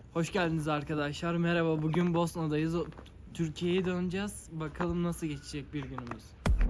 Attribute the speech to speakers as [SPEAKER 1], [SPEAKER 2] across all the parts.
[SPEAKER 1] Hoş geldiniz arkadaşlar. Merhaba. Bugün Bosna'dayız. Türkiye'ye döneceğiz. Bakalım nasıl geçecek bir günümüz.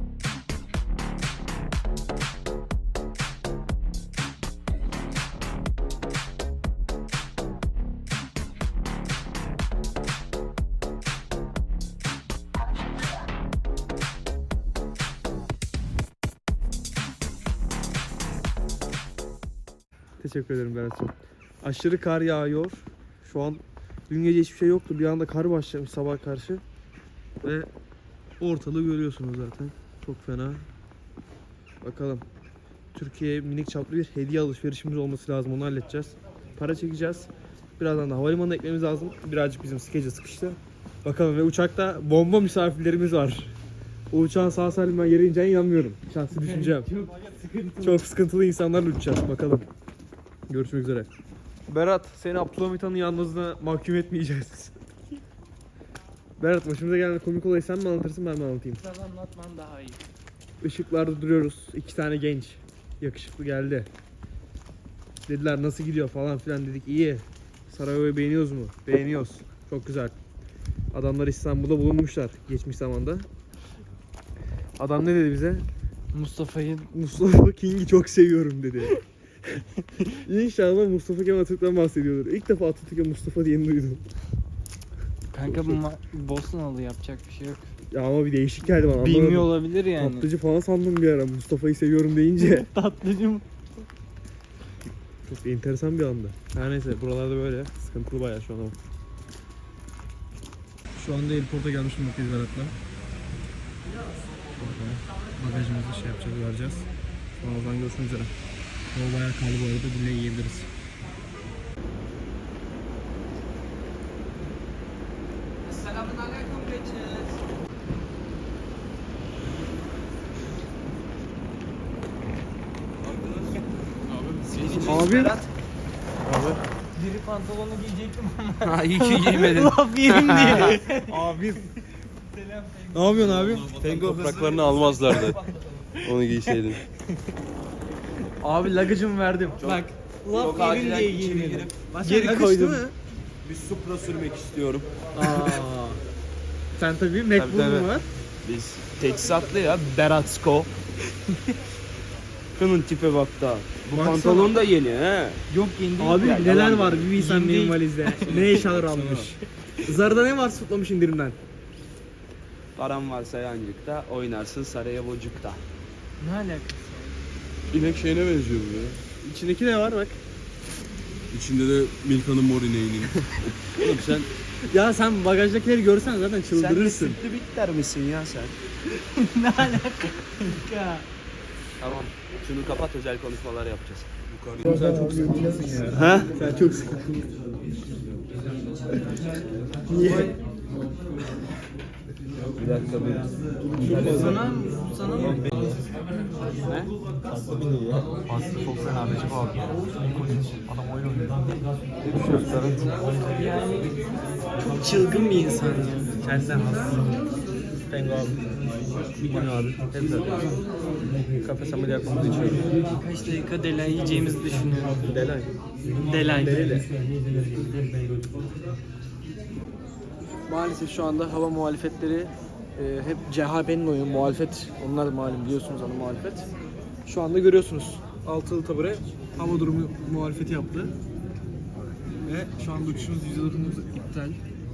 [SPEAKER 2] Teşekkür ederim Berat'cığım. Aşırı kar yağıyor. Şu an dün gece hiçbir şey yoktu. Bir anda kar başlamış sabah karşı. Ve ortalığı görüyorsunuz zaten. Çok fena. Bakalım. Türkiye'ye minik çaplı bir hediye alışverişimiz olması lazım. Onu halledeceğiz. Para çekeceğiz. Birazdan da havalimanına ekmemiz lazım. Birazcık bizim schedule sıkıştı. Bakalım ve uçakta bomba misafirlerimiz var. O uçağın sağ salim ben yere ineceğine inanmıyorum. Şahsi düşüncem. Çok sıkıntılı insanlarla uçacağız. Bakalım. Görüşmek üzere. Berat, seni Abdülhamit Han'ın yalnızlığına mahkum etmeyeceğiz. Berat, başımıza gelen komik olayı sen mi anlatırsın, ben mi anlatayım?
[SPEAKER 1] Sen anlatman daha iyi.
[SPEAKER 2] Işıklarda duruyoruz. 2 tane genç. Yakışıklı geldi. Dediler nasıl gidiyor falan filan, dedik iyi. Sarajevo'yu beğeniyoruz mu? Beğeniyoruz. Çok güzel. Adamlar İstanbul'da bulunmuşlar geçmiş zamanda. Adam ne dedi bize? Mustafa King'i çok seviyorum dedi. İnşallah Mustafa Kemal Atatürk'ten bahsediyordur. İlk defa Atatürk'e Mustafa diyeni duydum.
[SPEAKER 1] Kanka bu Bosnalı, yapacak bir şey yok.
[SPEAKER 2] Ya ama bir değişik geldi bana.
[SPEAKER 1] Bilmiyor
[SPEAKER 2] Anlamadım.
[SPEAKER 1] olabilir yani.
[SPEAKER 2] Tatlıcı falan sandım bir ara Mustafa'yı seviyorum deyince.
[SPEAKER 1] Tatlıcı mı?
[SPEAKER 2] Çok enteresan bir anda. Her neyse, buralarda böyle sıkıntılı bayağı şu an ama. Şu anda airport'a gelmiş bulunmaktayız Berat'la. Bagajımızı şey yapacağız, vereceğiz. Sonra oradan görüşmek üzere. Yol bayağı kaldı bu arada, dinle yiyebiliriz. Abi.
[SPEAKER 1] Deri pantolonu giyecektim ama.
[SPEAKER 3] Ha iyi ki giymedin.
[SPEAKER 1] Laf yerim diye.
[SPEAKER 2] Abi. Ne yapıyorsun abi?
[SPEAKER 3] Pengo topraklarını almazlardı. Onu giyseydin.
[SPEAKER 2] Abi lagajımı verdim.
[SPEAKER 1] Bak. Laf yerim diye giymedim.
[SPEAKER 2] Geri koydum.
[SPEAKER 3] Bir Supra sürmek istiyorum.
[SPEAKER 2] Sen tabii MacBook'un var.
[SPEAKER 3] Biz teçhizatlı ya. Beratsko. Şunun tipe bak da. Bu
[SPEAKER 2] Baksana.
[SPEAKER 3] pantolon da yeni he.
[SPEAKER 1] Yok yeni değil.
[SPEAKER 2] Abi
[SPEAKER 3] Ya,
[SPEAKER 2] neler
[SPEAKER 3] yalan
[SPEAKER 2] var
[SPEAKER 3] değil.
[SPEAKER 2] bir bilsen
[SPEAKER 1] Yeni
[SPEAKER 2] benim
[SPEAKER 1] değil.
[SPEAKER 2] valizde. Ne eşyalar almış. Zara'da ne var tutlamış indirimden?
[SPEAKER 3] Param varsa yancıkta, oynarsın Sarajevo'cukta.
[SPEAKER 1] Ne alakası?
[SPEAKER 4] İnek şeyine benziyor bu ya.
[SPEAKER 2] İçindeki ne var bak.
[SPEAKER 4] İçinde de Milka'nın mor ineğinin.
[SPEAKER 3] Oğlum sen
[SPEAKER 2] Ya sen bagajdakileri görsen zaten
[SPEAKER 3] sen de
[SPEAKER 2] çıldırırsın.
[SPEAKER 3] sütlü bitter misin ya sen?
[SPEAKER 1] Ne alakası? Ya.
[SPEAKER 3] Tamam. Şunu kapat, özel konuşmalar yapacağız.
[SPEAKER 2] Sen çok sıkıntılısın ya.
[SPEAKER 3] Ha?
[SPEAKER 2] Sen çok sıkıntılısın. Niye?
[SPEAKER 3] Bir dakika bir.
[SPEAKER 1] Sana mı?
[SPEAKER 3] Ne?
[SPEAKER 1] Yani çok çılgın bir insan ya.
[SPEAKER 2] Kendinden has. Pengo abi. Bir gün abi. Hep böyle. Kafes ameliyat yapmamızı içiyoruz.
[SPEAKER 1] Kaç dakika delay yiyeceğimizi düşünüyorum.
[SPEAKER 2] Delay.
[SPEAKER 1] Delay.
[SPEAKER 2] Delile. Maalesef şu anda hava muhalefetleri hep CHP'nin oyunu, muhalefet. Onlar da malum, biliyorsunuz ana muhalefet. Şu anda görüyorsunuz. Altılı tabure hava durumu muhalefeti yaptı. Ve şu anda uçuşumuz %9 iptal.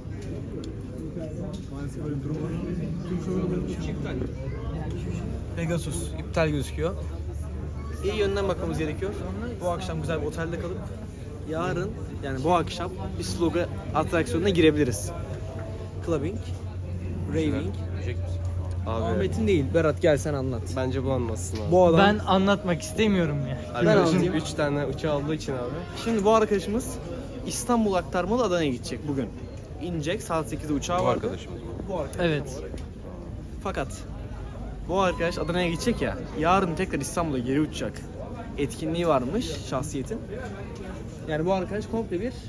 [SPEAKER 2] Maalesef böyle bir durum var. Tüm şovların uçuşu iptal. Pegasus iptal gözüküyor. İyi yönden bakmamız gerekiyor. Bu akşam güzel bir otelde kalıp yarın, yani bu akşam bir sloga atraksiyonuna girebiliriz. Clubbing, raving.
[SPEAKER 3] Abi
[SPEAKER 2] Ahmet'in değil. Berat gel sen anlat.
[SPEAKER 3] bence bu anlatsın abi.
[SPEAKER 2] Bu adam.
[SPEAKER 1] Ben anlatmak istemiyorum ya.
[SPEAKER 3] Arkadaşım
[SPEAKER 2] anlatayım.
[SPEAKER 3] 3 tane uçağı olduğu için abi.
[SPEAKER 2] Şimdi bu arkadaşımız İstanbul aktarmalı Adana'ya gidecek bugün. İnecek, saat 8'de uçağı vardı.
[SPEAKER 3] arkadaşımız.
[SPEAKER 2] Bu arkadaş.
[SPEAKER 1] Evet.
[SPEAKER 2] Fakat bu arkadaş Adana'ya gidecek ya. Yarın tekrar İstanbul'a geri uçacak. Etkinliği varmış şahsiyetin. Yani bu arkadaş komple bir...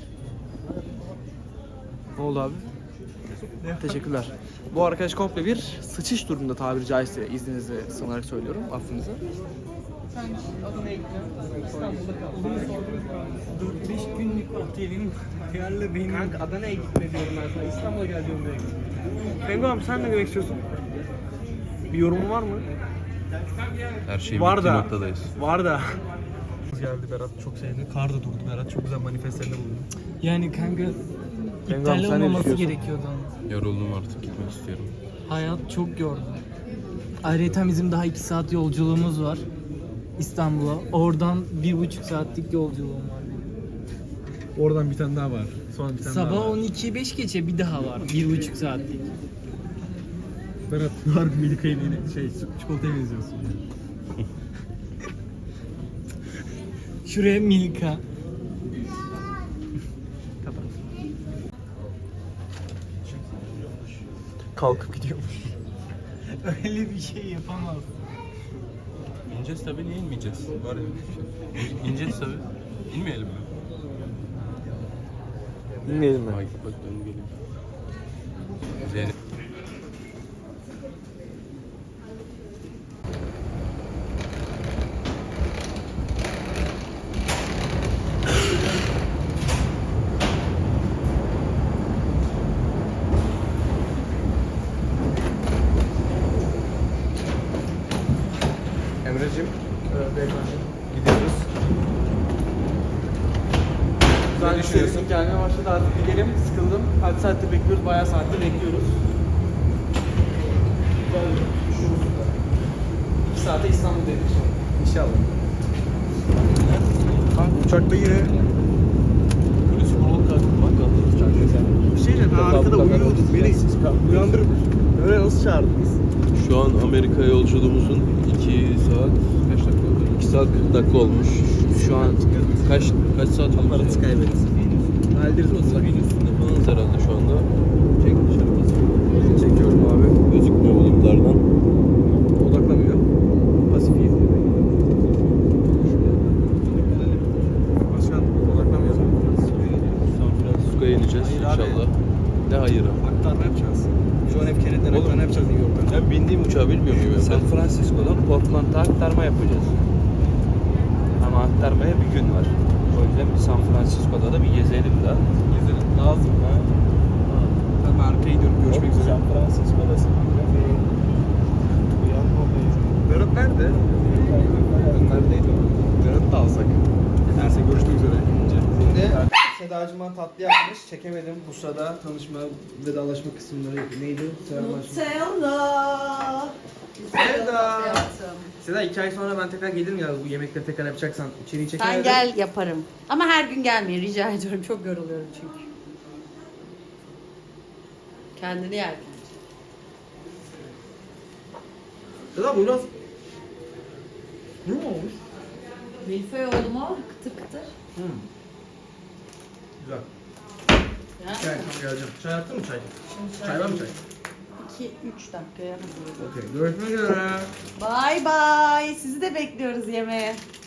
[SPEAKER 2] Ne oldu abi? Teşekkürler. Bu arkadaş komple bir sıçış durumunda, tabiri caizse, izninizi sanarak söylüyorum, affınızı.
[SPEAKER 1] Sen Adana'ya gidiyorsun. İstanbul'da kal. 4-5 günlük otelin Ayarla benim.
[SPEAKER 2] Kanka Adana'ya gitme diyorum ben sana. İstanbul'a gel diyorum direkt. Penguen sen ne demek istiyorsun? Bir yorumun var mı?
[SPEAKER 3] Her şey
[SPEAKER 2] Var
[SPEAKER 3] bittiği
[SPEAKER 2] da.
[SPEAKER 3] noktadayız.
[SPEAKER 2] Var da. Geldi Berat çok sevdi. Kar da durdu Berat. Çok güzel manifestlerinde bulundu.
[SPEAKER 1] Yani kanka
[SPEAKER 2] sen
[SPEAKER 1] iptal
[SPEAKER 2] ne
[SPEAKER 1] olmaması
[SPEAKER 2] düşünüyorsun?
[SPEAKER 1] gerekiyordu ama.
[SPEAKER 3] Yoruldum artık gitmek istiyorum.
[SPEAKER 1] Hayat çok yordu. Ayrıca bizim daha 2 saat yolculuğumuz var İstanbul'a. Oradan 1,5 saatlik yolculuğum var.
[SPEAKER 2] Oradan bir tane daha var. Sonra bir tane daha
[SPEAKER 1] Sabah
[SPEAKER 2] var.
[SPEAKER 1] 12.05 geçe bir daha var. 1,5 saatlik.
[SPEAKER 2] Berat harbi Milika'yı çikolataya benziyorsun ya.
[SPEAKER 1] Şuraya Milka.
[SPEAKER 2] Kalkıp gidiyormuş.
[SPEAKER 1] Öyle bir şey yapamaz.
[SPEAKER 3] İneceğiz tabii, niye inmeyeceğiz? Var ya bir şey. İneceğiz tabii. İnmeyelim mi?
[SPEAKER 2] Bilmeyelim mi?
[SPEAKER 3] Ay bak dön geleyim. Zeynep.
[SPEAKER 2] Emre'cim, beyefendi gidiyoruz. Güzel düşünüyorsun. Gelmeye başladı artık gidelim. Sıkıldım. Kaç saattir bekliyoruz? Bayağı saattir bekliyoruz. 2 saate İstanbul'dayız sonra. İnşallah. Kanka uçakta yine
[SPEAKER 3] Polis kurulu kalktı.
[SPEAKER 2] bir şeyle ben arkada uyuyordum. Beni uyandırıp öyle nasıl çağırdınız?
[SPEAKER 3] Şu an Amerika yolculuğumuzun 2 saat kaç dakika oldu? 2 saat 40 dakika olmuş. Şu an kaç saat olmuş?
[SPEAKER 2] Parası kaybetsin. Hallederiz o
[SPEAKER 3] Sabine üstünde falanız herhalde şu anda. Çek dışarı basın.
[SPEAKER 2] Çekiyorum abi.
[SPEAKER 3] Gözükmüyor bulutlardan.
[SPEAKER 2] Odaklamıyor. Pasif izliyor. Başkan odaklamıyor.
[SPEAKER 3] San Francisco'ya ineceğiz
[SPEAKER 2] Hayır abi.
[SPEAKER 3] inşallah. Ne hayırı?
[SPEAKER 2] Aktarma yapacağız. John F. Kennedy'den
[SPEAKER 3] Oğlum.
[SPEAKER 2] aktarma yapacağız New York'tan.
[SPEAKER 3] Ben bindiğim uçağı bilmiyor muyum?
[SPEAKER 5] San Francisco'dan Portland'a aktarma yapacağız. Ama aktarmaya bir gün var. O yüzden bir San Francisco'da da bir gezelim daha.
[SPEAKER 2] Gezelim. Lazım ha. Tamam arkaya gidiyorum. Görüşmek üzere.
[SPEAKER 5] San Francisco'dasın.
[SPEAKER 2] Berat nerede?
[SPEAKER 5] Neredeydi o?
[SPEAKER 2] Berat'ı da alsak. Neyse görüşmek üzere. Şimdi Sedacığıma tatlı yapmış. Çekemedim. Bu sırada tanışma, vedalaşma kısımları yapıyor. Neydi?
[SPEAKER 6] Nutella.
[SPEAKER 2] Seda.
[SPEAKER 6] Hayatım.
[SPEAKER 2] Seda 2 ay sonra ben tekrar gelirim ya bu yemekleri tekrar yapacaksan. İçeriği çekemedim.
[SPEAKER 6] Sen gel yaparım. Ama her gün gelmeyin rica ediyorum. Çok yoruluyorum çünkü. Kendini yerken.
[SPEAKER 2] Seda bu biraz... Kuru mu olmuş?
[SPEAKER 6] Milföy oldu mu? Kıtır kıtır.
[SPEAKER 2] Güzel.
[SPEAKER 6] Yani
[SPEAKER 2] Çay tamam geleceğim. Çay yaptın mı çay? Çay var mı çay?
[SPEAKER 6] 2-3 dakikaya hazır.
[SPEAKER 2] Okey. Görüşmek üzere.
[SPEAKER 6] Bye bye. Sizi de bekliyoruz yemeğe.